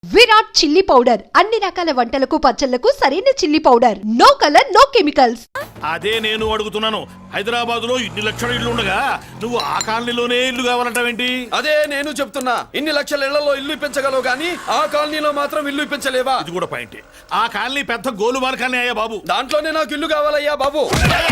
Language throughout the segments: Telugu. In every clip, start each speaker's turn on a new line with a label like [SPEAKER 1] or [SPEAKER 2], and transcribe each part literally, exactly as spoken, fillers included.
[SPEAKER 1] విరాట్ చిల్లీ పౌడర్ అన్ని రకాల వంటలకు పచ్చళ్లకు సరైన chilli powder. No colour no chemicals.
[SPEAKER 2] అదే నేను అడుగుతున్నాను, హైదరాబాద్ లో ఇన్ని లక్షల ఇల్లు ఉండగా నువ్వు ఆ కాలనీలోనే ఇల్లు కావాలంటావేంటి?
[SPEAKER 3] అదే నేను చెప్తున్నా, ఇన్ని లక్షల ఇళ్లలో ఇల్లు ఇప్పించగలవు గానీ ఆ కాలనీలో మాత్రం ఇల్లు ఇప్పించలేవా?
[SPEAKER 2] ఇది కూడా పాయింట్. ఆ కాలనీ పెద్ద గోలుమార్ కాలనీ అయ్యా బాబు.
[SPEAKER 3] దాంట్లోనే నాకు ఇల్లు కావాలయ్యా బాబు.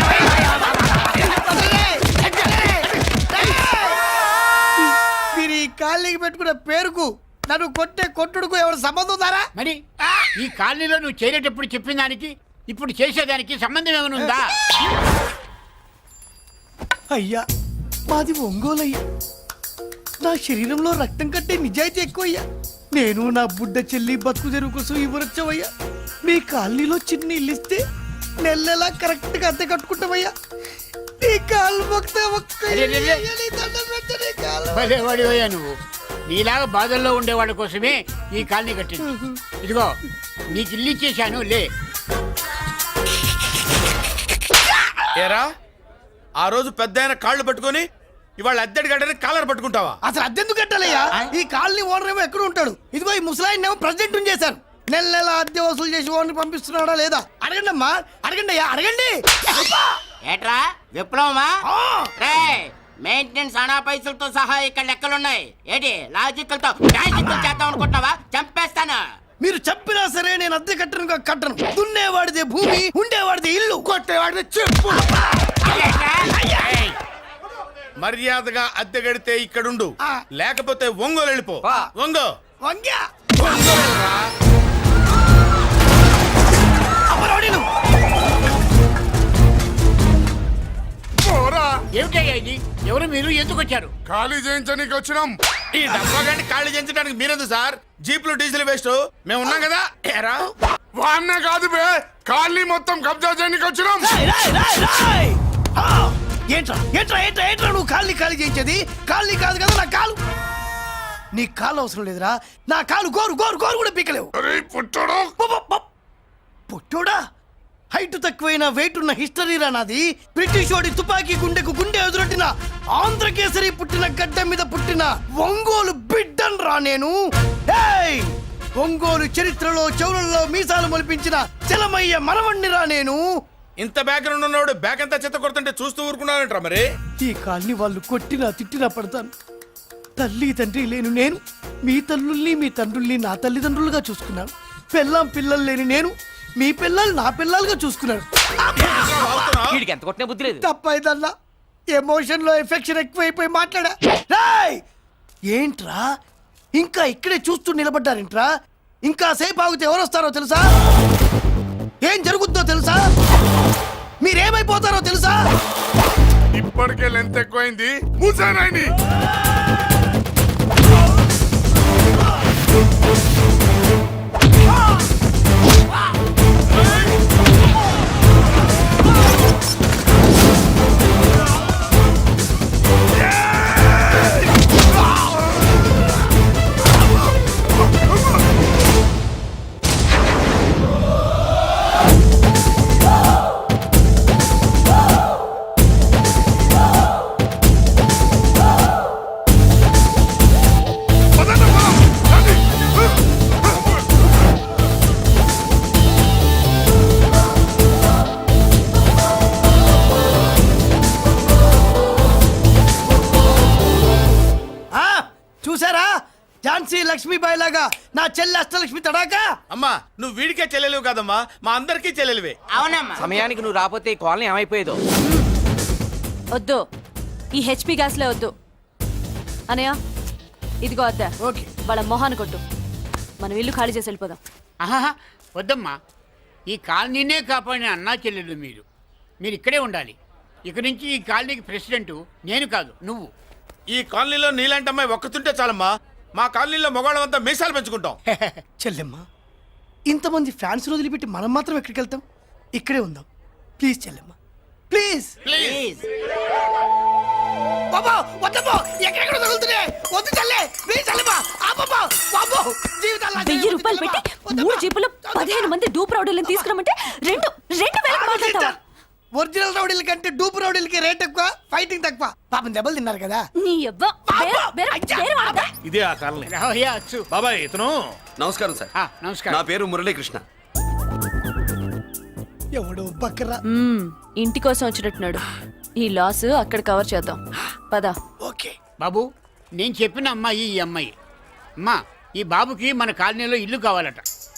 [SPEAKER 4] మీరు ఈ కాలనీకి పెట్టుకున్న పేరుకు నన్ను కొట్టే కొట్టుడుకు ఎవరు సంబంధం ఉందారా?
[SPEAKER 5] మరి ఈ కాలనీలో నువ్వు చేరేటప్పుడు చెప్పిన దానికి ఇప్పుడు చేసేదానికి సంబంధం ఏమైనా ఉందా?
[SPEAKER 4] అయ్యా మాది ఒంగోలు అయ్యా. నా శరీరంలో రక్తం కట్టే నిజాయితీ ఎక్కువ అయ్యా. నేను నా బుడ్డ చెల్లి బతుకు తెరువు కోసం ఇవ్వరొచ్చావయ్యా. మీ కాలనీలో చిన్న ఇల్లు ఇస్తే నెలలా కరెక్ట్ గా అద్దె కట్టుకుంటామయ్యా. నీ కాలు మొక్కితే ఒక్క
[SPEAKER 5] అరే, అరే, అరే.
[SPEAKER 4] నీ దండం పెట్టు, నీ కాలు.
[SPEAKER 5] భలే వాడివయ్యా నువ్వు. నీలాగా బాధల్లో ఉండేవాళ్ళ కోసమే ఈ కాలనీ కట్టింది. ఇదిగో నీకు ఇల్లు ఇచ్చేశాను, లే.
[SPEAKER 3] ఏరా, ఆ రోజు పెద్ద ఆయన కాళ్ళు పట్టుకొని ఇవాళ అద్దెడి గడ్డని కాలర్ పట్టుకుంటావా?
[SPEAKER 4] అసలు అద్దెందుకు కట్టాలయ్యా? ఈ కాలనీ ఓనర్ ఏమో ఎక్కడ ఉంటాడు? ఇదిగో ఈ ముసలాయిన్ ఏమో ప్రెసిడెంట్ చేశారు. నెల నెల అద్దె వసూలు చేసి ఓనర్ పంపిస్తున్నాడా లేదా అడగండి అమ్మా, అడగండి అయ్యా, అడగండి.
[SPEAKER 6] ఏట్రా విప్లవమా?
[SPEAKER 4] ఆ!
[SPEAKER 6] రే మెయింటెనెన్స్ అనా పైసలతో సహా ఇక్కడ లెక్కలున్నాయి. ఏంటి లాజికల్ తో మ్యాజికల్ చేద్దాం అనుకుంటున్నావా? చంపేస్తాను.
[SPEAKER 4] మీరు చెప్పినా సరే నేను అద్దె కట్టను కట్టను. దున్నేవాడిదే భూమి, ఉండేవాడిదే ఇల్లు, కొట్టేవాడిదే చెప్పు.
[SPEAKER 5] ఏయ్,
[SPEAKER 3] మర్యాదగా అద్దె గడితే ఇక్కడుండు,
[SPEAKER 4] ఆ.
[SPEAKER 3] లేకపోతే ఒంగోలు వెళ్ళిపో. ఒంగో
[SPEAKER 4] వంగ్యా
[SPEAKER 3] ఒంగోలురా.
[SPEAKER 4] అమరోడిను.
[SPEAKER 5] ఏమిటయ్యా ఇది? ఎవరు మీరు? ఎందుకు వచ్చారు?
[SPEAKER 3] ఖాళీ చేయించడానికి వచ్చినాం. ఈ డబ్బా గంట ఖాళీ చేయించడానికి మీరెందు సార్? జీప్లు డీజిల్ వేస్ట్, మేము ఉన్నాం కదా. ఏరా
[SPEAKER 7] వాన్న కాదు బే, ఖాళీ మొత్తం కబ్జా చేయడానికి వచ్చినాం.
[SPEAKER 4] రాయ్, రాయ్, రాయ్, రాయ్. ఆ! ఏంట్రా ఏంట్రా ఏంట్రా ఏంట్రా నువ్వు కాళ్ళని ఖాళీ చేయించేది? కాళ్ళని కాదు కదా నా కాలు. నీ కాలు అవసరం లేదురా, నా కాలు గోరు గోరు గోరు కూడా పీకలేవు.
[SPEAKER 7] అరే పుట్టడు,
[SPEAKER 4] పుట్టోడా? హైట్ తక్కువైన వెయిట్ ఉన్న హిస్టరీరా నాది. బ్రిటిష్ వాడి తుపాకీ గుండెకు గుండె ఎదురొట్టిన ఆంధ్రకేసరి పుట్టిన గడ్డ మీద పుట్టిన ఒంగోలు బిడ్డన్ రా నేను. ఏయ్! ఒంగోలు చరిత్రలో చౌరల్లో మీసాలు మొలిపించిన చలమయ్య మనవణ్ణి రా నేను.
[SPEAKER 3] ఇంత బ్యాక్గ్రౌండ్ ఉన్నవాడు బ్యాక్ అంతా చెత్త కొడుతుంటే చూస్తూ ఊరుకున్నానంటారా మరి?
[SPEAKER 4] ఈ కాల్ని వాళ్ళు కొట్టినా తిట్టినా పడతాను. తల్లి తండ్రి లేను నేను మీ తల్లుల్ని మీ తండ్రుల్ని నా తల్లిదండ్రులుగా చూసుకున్నాను. పెళ్ళాం పిల్లలు లేని నేను మీ పిల్లలు నా పిల్లలుగా చూసుకున్నాను.
[SPEAKER 6] వీడికి ఎంత కొట్టిన బుద్ధి లేదు.
[SPEAKER 4] తప్పైదల్లా ఎమోషన్ లో ఎఫెక్షన్ ఎక్కువైపోయి మాట్లాడా. రాయ్! ఏంట్రా ఇంకా ఇక్కడే చూస్తూ నిలబడ్డారేంట్రా? ఇంకా సేపు ఆగితే ఎవరు వస్తారో తెలుసా? ఏం జరుగుద్దో తెలుసా? మీరేమైపోతారో తెలుసా?
[SPEAKER 7] ఇప్పటికే లెంత్ ఎక్కువైంది. మూసానాయని
[SPEAKER 4] చూసారా? ఝాన్సీ లక్ష్మీబాయి లాగా నా చెల్లి అష్టలక్ష్మి తడాకా.
[SPEAKER 3] అమ్మా, నువ్వు వీడికే చెల్లెలివి కాదమ్మా, మా అందరికీ చెల్లెలివే.
[SPEAKER 6] అవునమ్మా.
[SPEAKER 8] సమయానికి నువ్వు రాకపోతే ఈ కాలనీ ఏమైపోయేదో.
[SPEAKER 9] వద్దు, ఈ హెచ్పి గ్యాస్లే వద్దు. అనయ్య ఇదిగో అద్దా,
[SPEAKER 4] ఓకే.
[SPEAKER 9] వాళ్ళ మొహాన్ని కొట్టు. మనం ఇల్లు ఖాళీ చేసి వెళ్ళిపోదాం.
[SPEAKER 5] ఆహా, వద్దమ్మా. ఈ కాలనీనే కాపాడిన అన్నా చెల్లెలు మీరు. మీరు ఇక్కడే ఉండాలి. ఇక నుంచి ఈ కాలనీకి ప్రెసిడెంట్ నేను కాదు, నువ్వు.
[SPEAKER 3] ఈ కాలనీలో నీలాంటి అమ్మాయి ఒక్కతుంటే చాలమ్మా. మా కాలనీలో మొగాళ్ళంతా మీసాలు పెంచుకుంటాం.
[SPEAKER 4] చెల్లెమ్మ, ఇంతమంది ఫ్యాన్స్ వదిలిపెట్టి మనం మాత్రం ఎక్కడికి వెళ్తాం? ఇక్కడే ఉందాం ప్లీజ్ చెల్లెమ్మ, ప్లీజ్.
[SPEAKER 6] ప్లీజ్.
[SPEAKER 4] బాబా వద్దమ్మా, ఎక్కడెక్కడ తగులుతున్నాయి. వద్దు చెల్లె, ప్లీజ్ చెల్లెమ్మ. ఆపమ్మా, బాబో, జీవితాల్లో
[SPEAKER 9] వెయ్యి రూపాయలు పెట్టి మూడు జీపులు పదిహేను మంది డూప్ రౌడర్లను తీసుకురమ్మంటే రెండు రెండు వేలకు మాట్లాడతావా?
[SPEAKER 4] ఒరిజినల్ రౌడీల కంటే డూపు రౌడీలకి రేట్ ఎక్కువ, ఫైటింగ్ తక్కువ. పాపం దెబ్బలు తిన్నారు కదా.
[SPEAKER 9] నీ అబ్బా బేర- బేర- బేర వాడదా?
[SPEAKER 2] ఇదే ఆ కాలనీ.
[SPEAKER 5] రావయ్యా అచ్చు.
[SPEAKER 2] బాబాయ్ ఇతను
[SPEAKER 10] నమస్కారం సార్.
[SPEAKER 5] ఆ, నమస్కారం.
[SPEAKER 10] నా పేరు మురళీకృష్ణ.
[SPEAKER 4] ఎవడు బక్కరా.
[SPEAKER 9] మ్మ్, ఇంటి కోసం వచ్చినట్టున్నాడు. ఈ లాస్ అక్కడ కవర్ చేద్దాం పద.
[SPEAKER 4] ఓకే.
[SPEAKER 5] బాబు నేను చెప్పిన అమ్మాయి ఈ అమ్మాయి. అమ్మా ఈ బాబుకి మన కాలనీలో ఇల్లు కావాలట.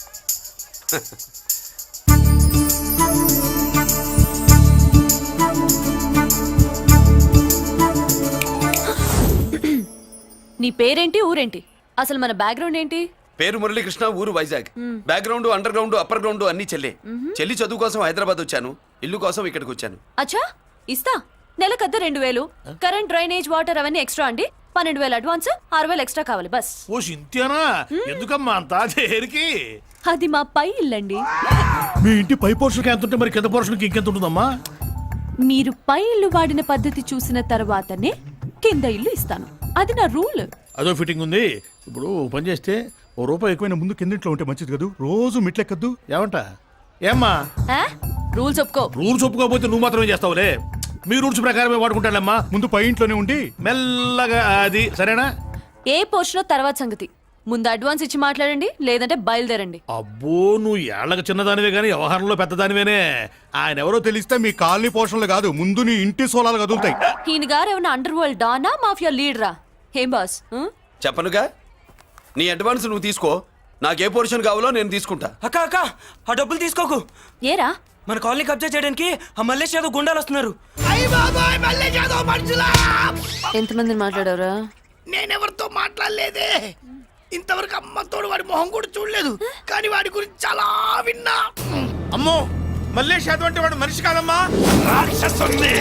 [SPEAKER 9] నీ పేరేంటి, ఊరేంటి, అసలు మన బ్యాక్గ్రౌండ్ ఏంటి?
[SPEAKER 10] పేరు మురళీకృష్ణ, ఊరు Vizag. Background, underground, upper ground అన్ని చెల్లి. చెల్లి చదువు కోసం హైదరాబాద్ వచ్చాను, ఇల్లు కోసం ఇక్కడికి వచ్చాను.
[SPEAKER 9] అచ్చా ఇస్తా. నెలకద్ద రెండు వేలు, కరెంట్, డ్రైనేజ్, వాటర్ అవన్నీ ఎక్స్ట్రా అండి. పన్నెండు వేలు అడ్వాన్స్, ఆరు వేలు ఎక్స్ట్రా కావాలి బస్.
[SPEAKER 2] ఓ సింత్యానా, ఎందుకమ్మా అంత దేనికి?
[SPEAKER 9] అది మా పై ఇల్లండి.
[SPEAKER 2] మీ ఇంటి పై పోర్షన్కి ఎంత ఉంటే మరి కింద పోర్షన్కి ఇంకెంత ఉంటుందమ్మా?
[SPEAKER 9] మీరు పై ఇల్లు వాడిన పద్ధతి చూసిన తర్వాతనే కింద ఇల్లు ఇస్తాను. అది నా రూల్.
[SPEAKER 2] అదో ఫిట్టింగ్ ఉంది. ఇప్పుడు ఓ పని చేస్తే ఓ రూపాయి ఎక్కువైనా ముందు కిందింట్లో ఉంటే మంచిది కదూ, రోజు మిట్లెక్కద్దు. ఏమంట? ఏమ్మా
[SPEAKER 9] రూల్స్ ఒప్పుకో.
[SPEAKER 2] రూల్స్ ఒప్పుకోకపోతే నువ్వు మాత్రమే చేస్తావులే. మీ రూల్స్ ప్రకారమే వాడుకుంటానమ్మా. ముందు పై ఇంట్లోనే ఉండి మెల్లగా అది సరేనా?
[SPEAKER 9] ఏ పోర్షన్ తర్వాత సంగతి. ముందు అడ్వాన్స్ ఇచ్చి మాట్లాడండి, లేదంటే బయలుదేరండి.
[SPEAKER 2] అబ్బో నువ్వు ఏళ్ళకి చిన్నదానివే కానీ వ్యవహారంలో పెద్దదానివేనే. ఆయన ఎవరో తెలిస్తే మీ కాలనీ పోషణలు కాదు, ముందు నీ ఇంటి సోలాలు కదులుతాయి.
[SPEAKER 9] ఈయన గారు ఏమన్నా అండర్ వరల్డ్ డానా, మాఫియా లీడరా? ఏం బాస్? ఆ?
[SPEAKER 10] చెప్పనుగా, నీ అడ్వాన్స్ నువ్వు తీసుకో, నాకే పోర్షన్ కావాలో నేను తీసుకుంటా.
[SPEAKER 8] అక్క అక్క ఆ డబ్బులు తీసుకోకు.
[SPEAKER 9] ఏరా
[SPEAKER 8] మన కాలనీ కబ్జా చేయడానికి ఆ మల్లేష్ యాదవ్ గుండాలు వస్తున్నారు.
[SPEAKER 4] అయ్య బాబాయ్, మళ్ళీ చదువు మనుషులా.
[SPEAKER 9] ఎంతమందిని మాట్లాడారా?
[SPEAKER 4] నేనెవరితో మాట్లాడలేదే. ఇంతవరకు అమ్మతోడు వాడి మొహం కూడా చూడలేదు, కానీ వాడి గురించి చాలా విన్నా.
[SPEAKER 3] అమ్మో మల్లేష్ యాదవ్ అంటే వాడు మనిషి కాదమ్మా, రాక్షసుని.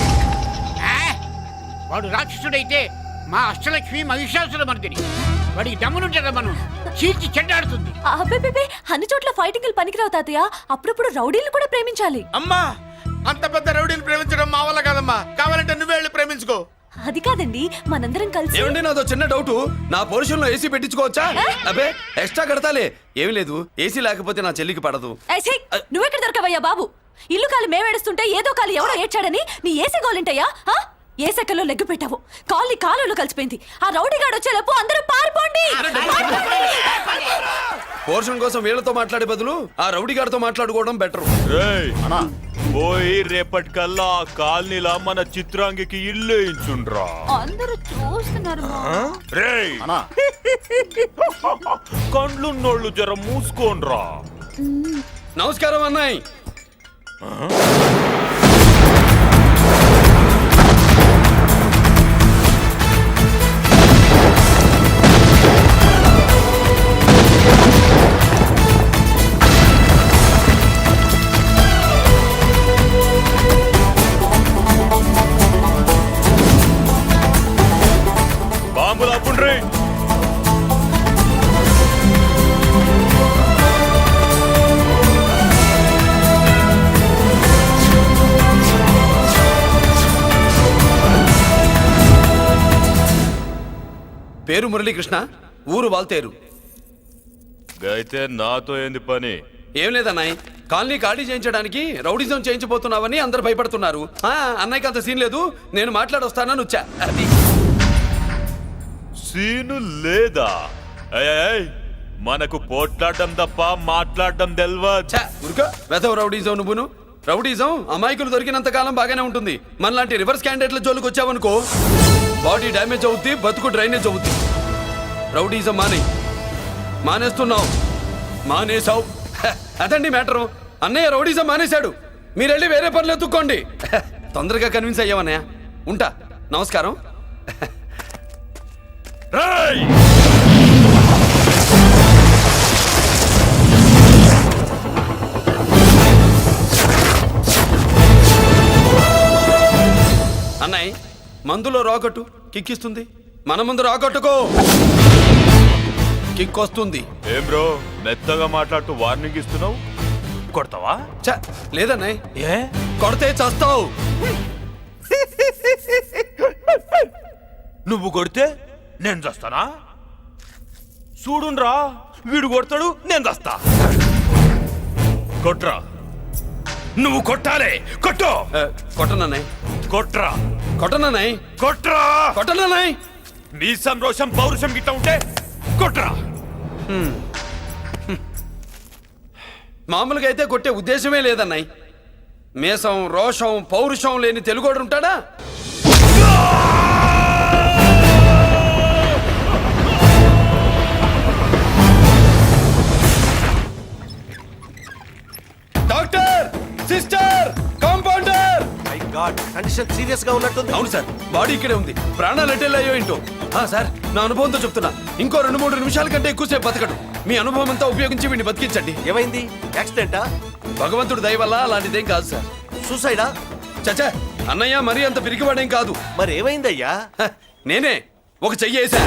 [SPEAKER 5] ఆ, వాడు రాక్షసుడైతే మా అష్టలక్ష్మి మహిషాసుల మర్దిని. వాడికి దమ్మునుంటారా మనం చీల్చి చెడ్డాడుతుంది.
[SPEAKER 9] అబ్బే, అన్ని చోట్ల ఫైటింగ్ పనికిరావు తాతయ్య. అప్పుడప్పుడు రౌడీలు కూడా ప్రేమించాలి.
[SPEAKER 3] అమ్మా అంత పెద్ద రౌడీని ప్రేమించడం మా వల్ల కాదమ్మా, కావాలంటే నువ్వే వెళ్ళి ప్రేమించుకో.
[SPEAKER 9] అది కాదండి, మనందరం కలిసి.
[SPEAKER 10] ఏమండి, నాదో చిన్న డౌట్. నా పోర్షన్ లో ఏసీ పెట్టించుకోవచ్చా? అబ్బే ఎక్స్ట్రా కడతాలే. ఏమి లేదు, ఏసీ లేకపోతే నా చెల్లికి పడదు.
[SPEAKER 9] ఏయ్, ఛీ! నువ్వెక్కడ దొరకవయ్యా బాబు? ఇల్లు కాలు మేమేడుస్తుంటే ఏదో కాలు ఎవరో ఏడ్చాడని నీ ఏసీ గోలింటయ్యా? ఆ? ఏ సెకల్లో లెగ్గు పెట్టావు, కాలి కాలులో కలిసిపోయింది. ఆ రౌడీగాడు వచ్చేలోపు అందరూ పారిపోండి.
[SPEAKER 10] పోర్షన్ కోసం వీళ్ళతో మాట్లాడే బదులు ఆ రౌడీ గారితో మాట్లాడుకోవడం బెటర్.
[SPEAKER 7] పోయి రేపటికల్లా ఆ కాలనీలా మన చిత్రాంగికి ఇల్లు వేయించుండ్రా.
[SPEAKER 9] అందరూ చూస్తున్నారు.
[SPEAKER 7] రేయ్ కండ్లున్నోళ్ళు జర మూసుకోండ్రా.
[SPEAKER 10] నమస్కారం అన్నాయ్.
[SPEAKER 7] బాంబులు అప్పుండ్రీ.
[SPEAKER 10] పేరు మురళీకృష్ణ, ఊరు వాల్తేరు.
[SPEAKER 7] అయితే నాతో ఏంది పని?
[SPEAKER 10] ఏం లేదన్నాయ్, కాలనీ ఖాళీ చేయించడానికి రౌడిజం చేయించబోతున్నావని అందరు భయపడుతున్నారు. ఆ, అన్నయ్యకి అంత సీన్ లేదు, నేను మాట్లాడొస్తానని వచ్చా. అది
[SPEAKER 7] సీను లేదా? ఏయ్, ఏయ్, మనకు పోట్లాడడం తప్ప మాట్లాడడం తెల్వా.
[SPEAKER 10] ఛా, ఉరుకో వెధవ రౌడీజం. నువ్వును రౌడీజం అమాయకులు దొరికినంత కాలం బాగానే ఉంటుంది. మనలాంటి రివర్స్ క్యాండిడేట్ల జోలికి వచ్చావనుకో బాడీ డ్యామేజ్ అవుద్ది, బతుకు డ్రైనేజ్ అవుద్ది. రౌడీజం మానే మానేస్తున్నావు మానేసావు. హ, అదండి మ్యాటరు. అన్నయ్య రౌడీజం మానేశాడు, మీరెళ్ళి వేరే పనులు ఎత్తుక్కోండి. హ, తొందరగా కన్విన్స్ అయ్యావన్నయ్య. ఉంటా, నమస్కారం.
[SPEAKER 7] రేయ్!
[SPEAKER 10] అన్నయ్య మందులో రాకట్టు కిక్కిస్తుంది, మన ముందు రాకట్టుకో కిక్ వస్తుంది.
[SPEAKER 7] ఏం బ్రో మెత్తగా మాట్లాడుతూ వార్నింగ్ ఇస్తున్నావు? కొడతావా?
[SPEAKER 10] ఛ, లేదన్నయ్య,
[SPEAKER 7] ఏ
[SPEAKER 10] కొడితే చస్తావు.
[SPEAKER 7] నువ్వు కొడితే నేను చస్తానా? చూడుండ్రా, వీడు కొడతాడు, నేను చస్తా. కొట్రా,
[SPEAKER 2] నువ్వు కొట్టాలి కొట్టు
[SPEAKER 10] ఆ, కొట్టనన్నాయ్
[SPEAKER 7] కొట్రా
[SPEAKER 10] కొట్టనన్నాయ్
[SPEAKER 7] కొట్రా
[SPEAKER 10] కొట్టనన్నాయ్
[SPEAKER 7] నీ సంతోషం పౌరుషం గిట్ట ఉంటే కొట్రా
[SPEAKER 10] మామూలుగా అయితే కొట్టే ఉద్దేశమే లేదన్నాయ్ మేషం రోషం పౌరుషం లేని తెలుగోడు ఉంటాడా doctor sister compounder
[SPEAKER 2] condition serious గా ఉన్నట్టుంది.
[SPEAKER 10] అవును సార్ బాడీ ఇక్కడే ఉంది ప్రాణాలు ఎట్టెళ్ళాయో ఏంటో ఆ, సార్ నా అనుభవంతో చెప్తున్నా ఇంకో రెండు మూడు నిమిషాల కంటే ఎక్కువసేపు బతకడు మీ అనుభవం అంతా ఉపయోగించి వీడిని బతికించండి
[SPEAKER 2] ఏమైంది? యాక్సిడెంటా?
[SPEAKER 10] భగవంతుడు దయ వల్ల అలాంటిదేం కాదు సార్
[SPEAKER 2] సూసైడా?
[SPEAKER 10] చచ్చా అన్నయ్య మరీ అంత పిరికివాడేం కాదు
[SPEAKER 2] మరి ఏమైందయ్యా?
[SPEAKER 10] హ, నేనే ఒక చెయ్యేసా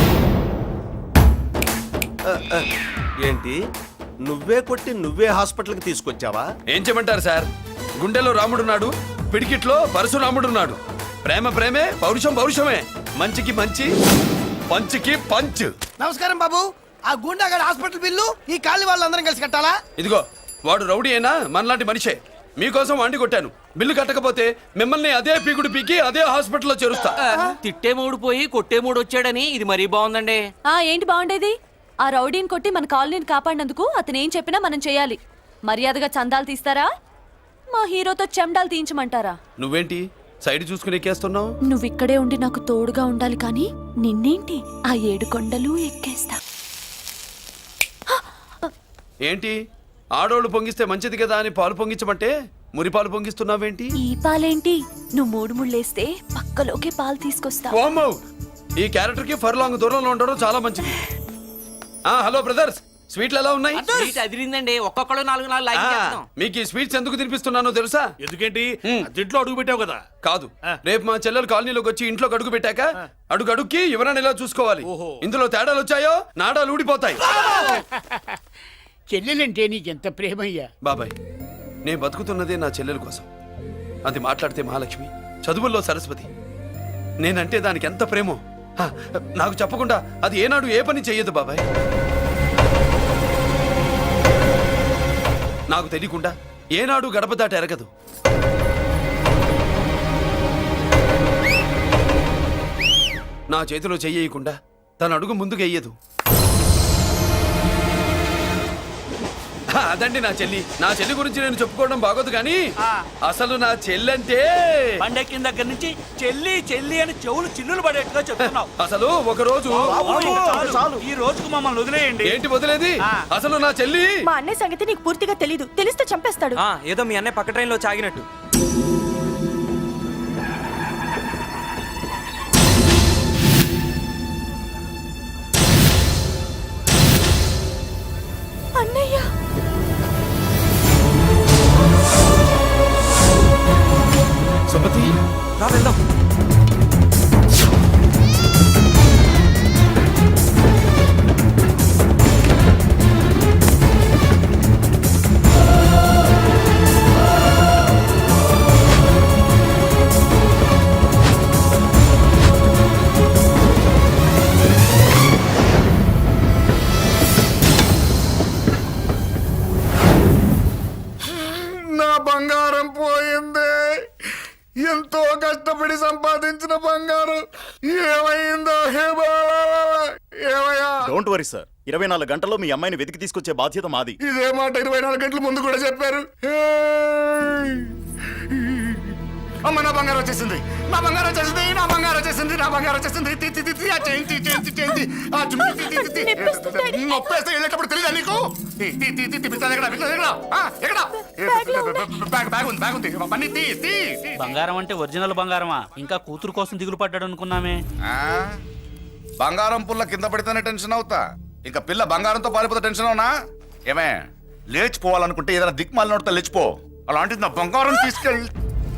[SPEAKER 2] ఏంటి నువ్వే కొట్టి నువ్వే హాస్పిటల్కి తీసుకొచ్చావా?
[SPEAKER 10] ఏం చేయమంటారు సార్ గుండెలో రాముడున్నాడు పిడికిట్లో పరశురాముడున్నాడు ప్రేమ ప్రేమే పౌరుషం పౌరుషమే మంచికి మంచి పంచికి పంచ్
[SPEAKER 4] నమస్కారం బాబు ఆ గుండాగడ్ హాస్పిటల్ బిల్లు ఈ కాలి వాళ్ళందరం కలిసి కట్టాలా?
[SPEAKER 10] ఇదిగో వాడు రౌడీ అయినా మనలాంటి మనిషే మీకోసం వండి కొట్టాను బిల్లు కట్టకపోతే మిమ్మల్ని అదే పీకుడు పీకి అదే హాస్పిటల్లో చేరుస్తా
[SPEAKER 8] తిట్టే మూడు పోయి కొట్టే మూడు వచ్చాడని ఇది మరీ బాగుందండి.
[SPEAKER 9] ఆ ఏంటి బాగుండేది ఆ రౌడీని కొట్టి మన కాలనీని కాపాడినందుకు అతను ఏం చెప్పినా మనం చేయాలి మర్యాదగా చందాలు తీస్తారా మా హీరోతో చెండాలు తీయించమంటారా?
[SPEAKER 10] నువ్వేంటి సైడ్ చూసుకుని ఎక్కేస్తున్నావు
[SPEAKER 9] నువ్వు ఇక్కడే ఉండి నాకు తోడుగా ఉండాలి కానీ నిన్నేంటి ఆ ఏడు కొండలు ఎక్కేస్తా.
[SPEAKER 10] ఏంటి ఆడోళ్ళు పొంగిస్తే మంచిది కదా అని పాలు పొంగించమంటే మురి పాలు పొంగిస్తున్నావేంటి
[SPEAKER 9] ఈ పాలేంటి నువ్వు మూడు ముళ్ళేస్తే పక్కలోకే పాలు తీసుకొస్తా.
[SPEAKER 10] ఓమ్మో ఈ క్యారెక్టర్ కి ఫర్ లాంగ్ దూరంలో ఉండడం చాలా మంచిది ఆ హలో బ్రదర్స్ స్వీట్లు ఎలా ఉన్నాయి
[SPEAKER 8] అదిరిందండి ఒక్కొక్కడు నాలుగు నాలుగు లైక్ చేస్తాం.
[SPEAKER 10] మీకు ఈ స్వీట్స్ ఎందుకు తినిపిస్తున్నానో తెలుసా
[SPEAKER 2] ఎందుకేంటి?
[SPEAKER 10] హ్మ్.
[SPEAKER 2] దీంట్లో అడుగు పెట్టావు కదా.
[SPEAKER 10] కాదు రేపు మా చెల్లెలు కాలనీలోకి వచ్చి ఇంట్లో అడుగు పెట్టాక అడుగు అడుక్కి ఎవరైనా ఇలా చూసుకోవాలి
[SPEAKER 2] ఓహో.
[SPEAKER 10] ఇందులో తేడాలు వచ్చాయో నాడాలు ఊడిపోతాయి
[SPEAKER 5] చెల్లెలంటే నీకెంత ప్రేమయ్యా.
[SPEAKER 10] బాబాయ్ నేను బతుకుతున్నదే నా చెల్లెల కోసం అది మాట్లాడితే మహాలక్ష్మి చదువుల్లో సరస్వతి నేనంటే దానికి ఎంత ప్రేమో హ, నాకు చెప్పకుండా అది ఏనాడు ఏ పని చెయ్యదు బాబాయ్ నాకు తెలియకుండా ఏనాడు గడప దాటి ఎరగదు నా చేతిలో చెయ్యకుండా తన అడుగు ముందుకు వెయ్యదు హ, అదండి నా చెల్లి నా చెల్లి గురించి నేను చెప్పుకోవడం బాగోదు కానీ అసలు నా చెల్లంటే
[SPEAKER 8] పండెక్కిన దగ్గర నుంచి చెల్లి చెల్లి అని చెవులు చిల్లులు పడేట్టుగా చెప్తున్నావు.
[SPEAKER 10] అసలు ఒక రోజు
[SPEAKER 8] ఈ రోజుకు మమ్మల్ని వదిలేయండి.
[SPEAKER 10] ఏంటి వదిలేది అసలు నా చెల్లి
[SPEAKER 9] మా అన్నయ్య సంగతి నీకు పూర్తిగా తెలీదు తెలిస్తే చంపేస్తాడు.
[SPEAKER 8] ఏదో మీ అన్నయ్య పక్క ట్రైన్ లో చాగినట్టు.
[SPEAKER 9] అన్నయ్య
[SPEAKER 10] సుమతి
[SPEAKER 8] రా వెళ్దాం.
[SPEAKER 3] నా బంగారం పోయింది. ఎంతో కష్టపడి సంపాదించిన బంగారం ఏమైందో హే బాబా, ఏమయ్యా?
[SPEAKER 2] డోంట్ వరీ సార్ ఇరవై నాలుగు గంటల్లో మీ అమ్మాయిని వెతికి తీసుకొచ్చే బాధ్యత మాది.
[SPEAKER 3] ఇదే మాట ఇరవై నాలుగు గంటల ముందు కూడా చెప్పారు. ఏయ్! అమ్మ నా బంగారం వచ్చేసింది నా బంగారం వచ్చేసింది నా బంగారం వచ్చేసింది నా బంగారం వచ్చేసింది తి, తి, తి, తి, ఆ చేయి, తి, చేయి, తి, చేయి, తి. ఆ జుమ్మి, తి, తి, తి, తి. నొప్పేస్తే వెళ్ళేటప్పుడు తెలియదా నీకు? తి, తి, తి, తి, తి, పిస్తాది ఎక్కడ పిస్తాది ఎక్కడ? ఆ, ఎక్కడ? బ్యాగ్ బ్యాగ్ ఉంది బ్యాగ్ ఉంది పని తీ తీ తీ.
[SPEAKER 8] బంగారం అంటే ఒరిజినల్ బంగారమా ఇంకా కూతురు కోసం దిగులు పడ్డాడు అనుకున్నామే.
[SPEAKER 3] ఆ? బంగారం పుల్ల కింద పడితేనే టెన్షన్ అవుతా ఇంకా పిల్ల బంగారంతో పారిపోతే టెన్షన్ అవునా? ఏమే లేచిపోవాలనుకుంటే ఏదైనా దిక్మాల నోడితే లేచిపో అలాంటిది నా బంగారం తీసుకెళ్ళి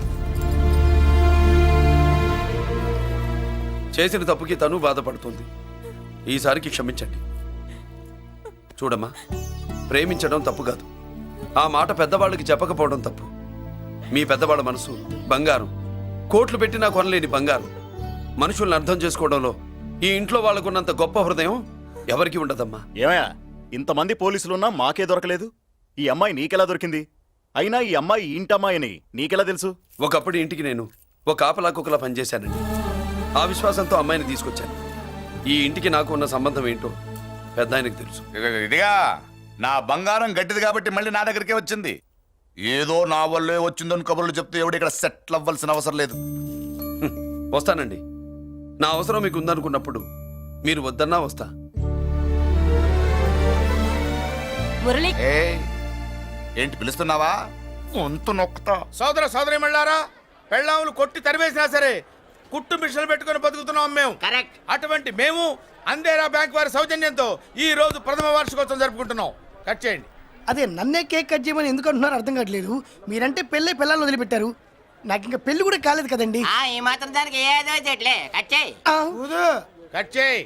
[SPEAKER 10] చేసిన తప్పుకి తను బాధపడుతుంది ఈసారికి క్షమించండి చూడమ్మా ప్రేమించడం తప్పు కాదు ఆ మాట పెద్దవాళ్ళకి చెప్పకపోవడం తప్పు మీ పెద్దవాళ్ళ మనసు బంగారం కోట్లు పెట్టినా కొనలేని బంగారం మనుషుల్ని అర్థం చేసుకోవడంలో ఈ ఇంట్లో వాళ్ళకున్నంత గొప్ప హృదయం ఎవరికి ఉండదమ్మా
[SPEAKER 2] ఏమయ్యా ఇంతమంది పోలీసులున్నా మాకే దొరకలేదు. ఈ అమ్మాయి నీకెలా దొరికింది?
[SPEAKER 3] అయినా ఈ అమ్మాయి ఈ ఇంటమ్మాయిని నీకెలా తెలుసు?
[SPEAKER 10] ఒకప్పుడు ఇంటికి నేను ఒక ఆపలా కుక్కలా పనిచేశానండి. ఆ విశ్వాసంతో అమ్మాయిని తీసుకొచ్చాను. ఈ ఇంటికి నాకు ఉన్న సంబంధం ఏంటో పెద్ద ఆయనకు తెలుసు.
[SPEAKER 3] ఇదిగో, ఇదిగా నా బంగారం గట్టిది కాబట్టి మళ్ళీ నా దగ్గరికే వచ్చింది. ఏదో నా వల్లే వచ్చిందని కబుర్లు చెప్తే ఎవడు ఇక్కడ సెటిల్ అవ్వాల్సిన అవసరం లేదు.
[SPEAKER 10] హ్మ్, వస్తానండి. నా అవసరం మీకు ఉందనుకున్నప్పుడు మీరు వద్దన్నా వస్తా.
[SPEAKER 9] మురళి
[SPEAKER 3] ఏ ఏంటి పిలుస్తున్నావా? వంతు నొక్కుతా.
[SPEAKER 2] సోదర సోదరి మళ్ళారా, పెళ్ళాములు కొట్టి తరివేసినా సరే కుట్టు మిషన్లు పెట్టుకుని బతుకుతున్నాం మేము.
[SPEAKER 6] కరెక్ట్.
[SPEAKER 2] అటువంటి మేము అందేరా బ్యాంక్ వారి సౌజన్యంతో ఈ రోజు ప్రథమ వార్షికోత్సవం జరుపుకుంటున్నాం. కట్ చేయండి.
[SPEAKER 4] అదే నన్నే కేక్ కట్ చేయమని ఎందుకు అంటున్నారో అర్థం కావట్లేదు. మీరంటే పెళ్ళే పిల్లల్ని వదిలిపెట్టారు, నాకు ఇంకా పెళ్లి కూడా కాలేదు కదండి.
[SPEAKER 6] ఆ ఈ మాత్రం దానికి ఏదో చెట్లే కచ్చేయి.
[SPEAKER 4] ఆ,
[SPEAKER 2] కట్ చేయి.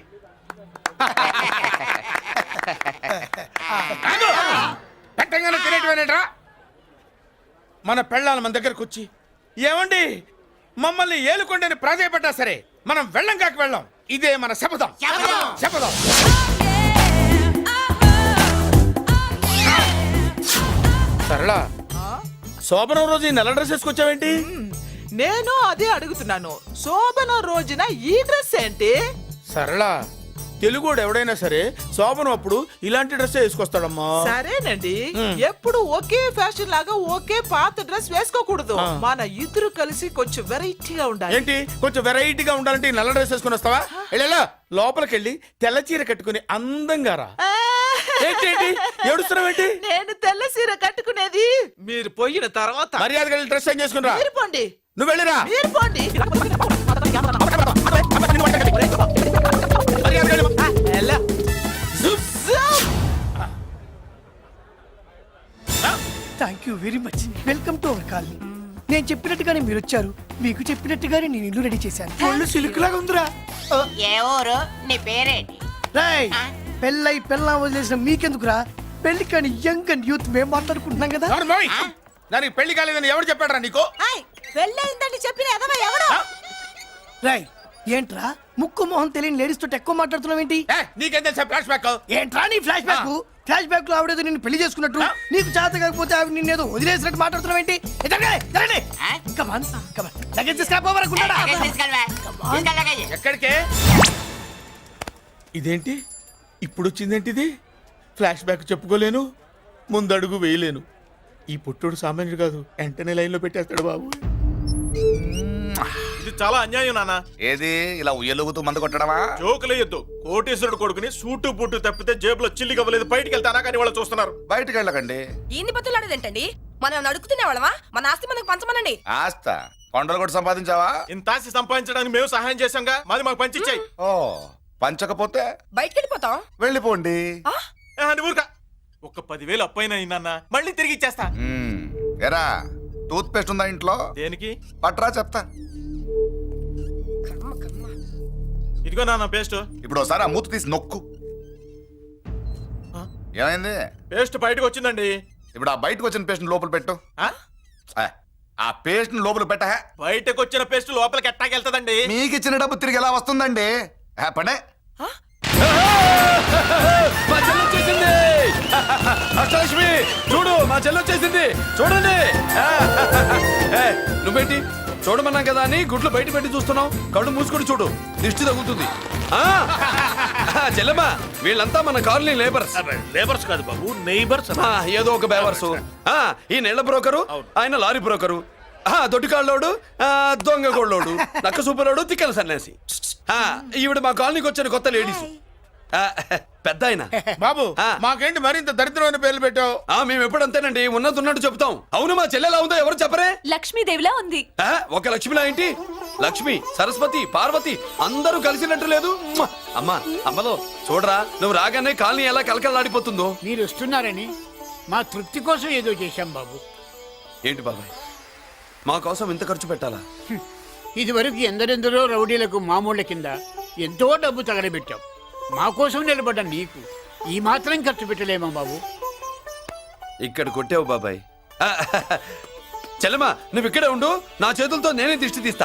[SPEAKER 2] పెట్టంగానే తినేటివేనేట్రా? మన పెళ్ళాలు మన దగ్గరకు వచ్చి ఏమండి మమ్మల్ని ఏలుకొండని ప్రాధాయపడ్డా సరే మనం వెళ్ళం కాక వెళ్ళం. ఇదే మన శపథం.
[SPEAKER 6] శపథం.
[SPEAKER 2] శపథం. సరళ, శోభనం రోజు ఈ నల్ల డ్రెస్ వేసుకొచ్చావేంటి?
[SPEAKER 11] నేను అదే అడుగుతున్నాను. శోభన రోజున ఈ డ్రెస్ ఏంటి?
[SPEAKER 2] సరళ, తెలుగుడు ఎవడైనా సరే శోభనం అప్పుడు ఇలాంటి డ్రెస్ వేసుకొస్తాడమ్మా.
[SPEAKER 11] సరేనండి, ఎప్పుడు ఒకే ఫ్యాషన్ లాగా ఒకే పాత డ్రెస్ వేసుకోకూడదు. మన ఇద్దరు కలిసి కొంచెం వెరైటీగా ఉండాలి.
[SPEAKER 2] ఏంటి కొంచెం వెరైటీగా ఉండాలంటే ఈ నల్ల డ్రెస్ వేసుకొని వస్తావా? వెళ్ళా లోపలికి వెళ్ళి తెల్ల చీర కట్టుకుని అందంగా రా.
[SPEAKER 11] ఆ,
[SPEAKER 2] ఏంటి ఏంటి ఏడుస్తున్నావేంటి?
[SPEAKER 11] నేను తెల్ల సీర కట్టుకునేది మీరు పోయిన తర్వాత.
[SPEAKER 2] మర్యాదగా వెళ్ళి డ్రెస్ చేంజ్ చేసుకుని రా.
[SPEAKER 11] మీరు పోండి,
[SPEAKER 2] నువ్వు వెళ్ళిరా.
[SPEAKER 11] మీరు పోండి.
[SPEAKER 2] మర్యాదగా వెళ్ళి.
[SPEAKER 11] ఆ, ఎలా? జుప్, జుప్.
[SPEAKER 4] Thank you very much. Welcome to our colony. నేను చెప్పినట్టుగానే మీరు వచ్చారు, మీకు చెప్పినట్టుగానే నేను ఇల్లు రెడీ చేశాను. ఒళ్ళు సిల్క్ లాగా ఉందిరా.
[SPEAKER 6] ఏ ఊరు? నీ పేరేంటి?
[SPEAKER 4] రాయ్, పెళ్ళై పెళ్ళా వదిలేసిన మీకెందుకురా? పెళ్లి కాని యంగ్ అండ్ యూత్ మేము మాట్లాడుకుంటున్నాం కదా.
[SPEAKER 2] ఎవరు మోయ్? దానికి పెళ్లి కాలేదని ఎవరు చెప్పాడరా నీకు?
[SPEAKER 11] పెళ్ళయిందని చెప్పిన ఎదవ ఎవడు?
[SPEAKER 4] రాయ్, ఏంట్రా ముక్కు మొహం తెలియని లేడీస్ తోటి ఎక్కువ మాట్లాడుతున్నావు ఏంటి?
[SPEAKER 2] ఏ, నీకేం తెలుసా ఫ్లాష్ బ్యాక్?
[SPEAKER 4] ఏంట్రా నీ ఫ్లాష్ బ్యాక్? ఫ్లాష్ బ్యాక్ లో ఆవిడేదో నిన్ను పెళ్లి చేసుకున్నట్టు, నీకు చేత కాకపోతే ఆవిడ నిన్నేదో వదిలేసినట్టు మాట్లాడుతున్నావు ఏంటి?
[SPEAKER 6] ఆ?
[SPEAKER 4] కమాన్ కమాన్ లగేజ్ తీసుకురాపోవరకుంటాడా?
[SPEAKER 6] లగేజ్ తీసుకెళ్ళవా? తీసుకెళ్ళ లగేజ్.
[SPEAKER 2] ఎక్కడికే? ఇదేంటి ఇప్పుడు వచ్చిందేంటి ఇది? ఫ్లాష్ బ్యాక్ చెప్పుకోలేను, ముందడుగు వేయలేను. ఈ పుట్టుడు సామాన్యుడు కాదు, వెంటనే లైన్ లో పెట్టేస్తాడు బాబు.
[SPEAKER 7] ఇది చాలా అన్యాయం నాన్న.
[SPEAKER 3] ఏది ఇలా ఉయ్యలుగుతూ మందు కొట్టడమా?
[SPEAKER 7] జోకులేయొద్దు. కోటేశ్వరుడు కొడుకుని సూటు బూటు తప్పితే జేబులో చిల్లి కవ్వలేదు, బయటికి వెళ్తానా కానీ వాళ్ళు చూస్తున్నారు.
[SPEAKER 3] బయటికి వెళ్ళకండి.
[SPEAKER 9] ఈయన్ని బతులాడేదేంటండి? మనం నడుకుతున్న వాళ్ళమా? మన ఆస్తి మనకు పంచమనండి.
[SPEAKER 3] ఆస్త కొండలు కూడా సంపాదించావా?
[SPEAKER 7] ఇంత ఆస్తి సంపాదించడానికి మేము సహాయం చేశాంగా, మాది మాకు పంచిచ్చాయి.
[SPEAKER 3] ఓ పంచకపోతే
[SPEAKER 9] బయటికి వెళ్ళిపోతాం.
[SPEAKER 3] వెళ్ళిపోండి.
[SPEAKER 7] ఊరుక ఒక్క పదివేలు అప్పైనా నాన్న, మళ్ళీ తిరిగి ఇచ్చేస్తా.
[SPEAKER 3] మ్మ్. ఎరా టూత్ పేస్ట్ ఉందా ఇంట్లో?
[SPEAKER 7] దేనికి?
[SPEAKER 3] పట్రా చెప్తా.
[SPEAKER 7] ఇదిగో నాన్న పేస్ట్.
[SPEAKER 3] ఇప్పుడు ఒకసారి ఆ మూత తీసి నొక్కు. ఏమైంది?
[SPEAKER 7] పేస్ట్ బయటకు వచ్చిందండి.
[SPEAKER 3] ఇప్పుడు ఆ బయటకు వచ్చిన పేస్ట్ లోపల పెట్టు.
[SPEAKER 7] ఆ?
[SPEAKER 3] ఆ, ఆ పేస్ట్ లోపల పెట్ట.
[SPEAKER 7] బయటకు వచ్చిన పేస్ట్ లోపలికి ఎట్టాకెళ్తదండి?
[SPEAKER 3] మీకు ఇచ్చిన డబ్బు తిరిగి ఎలా వస్తుందండి? ఆ, పడే
[SPEAKER 10] మా చెల్లి వచ్చేసింది. అష్టలక్ష్మి చూడు, మా చెల్లి వచ్చేసింది చూడండి. ఏ, నువ్వేంటి చూడమన్నాం కదా అని గుడ్లు బయట పెట్టి చూస్తున్నావు? కళ్ళు మూసుకొని చూడు, దిష్టి తగ్గుతుంది. ఆ, చెల్లెమ్మా, వీళ్ళంతా మన కాలనీ లేబర్స్.
[SPEAKER 2] లేబర్స్ కాదు బాబు, నైబర్స్.
[SPEAKER 10] ఆ, ఏదో ఒక బేవర్సు. ఆ, ఈ నెల బ్రోకరు, ఆయన లారీ బ్రోకరు, ఆ, దొడ్డికాళ్ళోడు, ఆ, దొంగ గోళ్ళోడు, నక్క సూపరోడు, తిక్కల సన్యాసి. ఆ, ఈవిడ మా కాలనీకి వచ్చిన కొత్త లేడీస్. ఆ, పెద్ద ఆయన.
[SPEAKER 2] బాబు
[SPEAKER 10] ఆ.
[SPEAKER 2] మాకేంటి మరింత దరిద్రమైన పేర్లు పెట్టావు?
[SPEAKER 10] ఆ, మేము ఎప్పుడంతేనండి, ఉన్నది ఉన్నట్టు చెప్తాం. అవును, మా చెల్లెలా ఉందో ఎవరు చెప్పరే?
[SPEAKER 9] లక్ష్మీదేవిలా ఉంది.
[SPEAKER 10] ఆ, ఒక లక్ష్మిలా ఏంటి? లక్ష్మి, సరస్వతి, పార్వతి అందరూ కలిసినట్టు లేదు. మ్మ! అమ్మా, అమ్మలో చూడరా, నువ్వు రాగానే కాలనీ ఎలా కలకలాడిపోతుందో.
[SPEAKER 5] మీరు వస్తున్నారని మా తృప్తి కోసం ఏదో చేశాం బాబు.
[SPEAKER 10] ఏంటి బాబాయ్, మా కోసం ఇంత ఖర్చు పెట్టాలా?
[SPEAKER 5] ఇదివరకు ఎందరెందరో రౌడీలకు మామూళ్ళ కింద ఎంతో డబ్బు తగలబెట్టాం. మా కోసం నిలబడ్డ నీకు ఈ మాత్రం ఖర్చు పెట్టలేమా బాబు?
[SPEAKER 10] ఇక్కడ కొట్టావు బాబాయ్. ఆ, చెల్లెమ్మా, నువ్వు ఇక్కడే ఉండు, నా చేతులతో నేనే దిష్టి తీస్తా.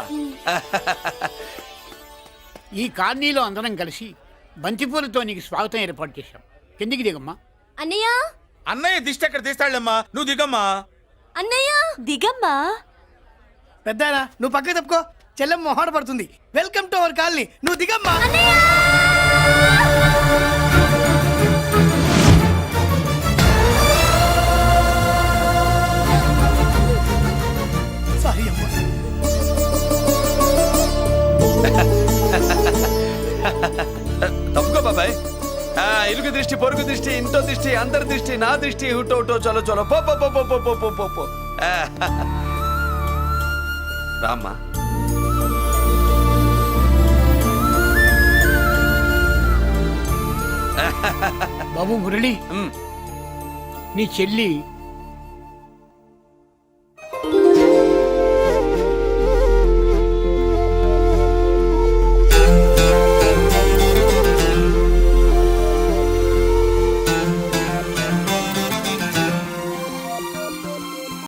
[SPEAKER 5] ఈ కాలనీలో అందరం కలిసి బంతిపూలతో నీకు స్వాగతం ఏర్పాటు చేశాం. కిందికి దిగమ్మా.
[SPEAKER 9] అన్నయ్య,
[SPEAKER 2] అన్నయ్య దిష్టి ఎక్కడ తీస్తాడమ్మా, నువ్వు దిగమ్మా.
[SPEAKER 9] అన్నయ్య దిగమ్మా.
[SPEAKER 4] పెద్దాయనా నువ్వు పక్కకి తప్పుకో, చెల్లెం మొహాడ పడుతుంది. వెల్కమ్ టు అవర్ కాలనీ, నువ్వు దిగమ్మా. సారీ అమ్మా.
[SPEAKER 10] తప్పుకో బాబాయ్. ఆ, ఇరుగు దృష్టి, పొరుగు దృష్టి, ఇంటో దృష్టి, అందరి దృష్టి, నా దృష్టి, హుటో హుటో చలో చలో పో పో పో పో పో పో పో పో పో. ఆ, రామ్మా.
[SPEAKER 5] బాబు మురళి,
[SPEAKER 10] ఉమ్,
[SPEAKER 5] నీ చెల్లి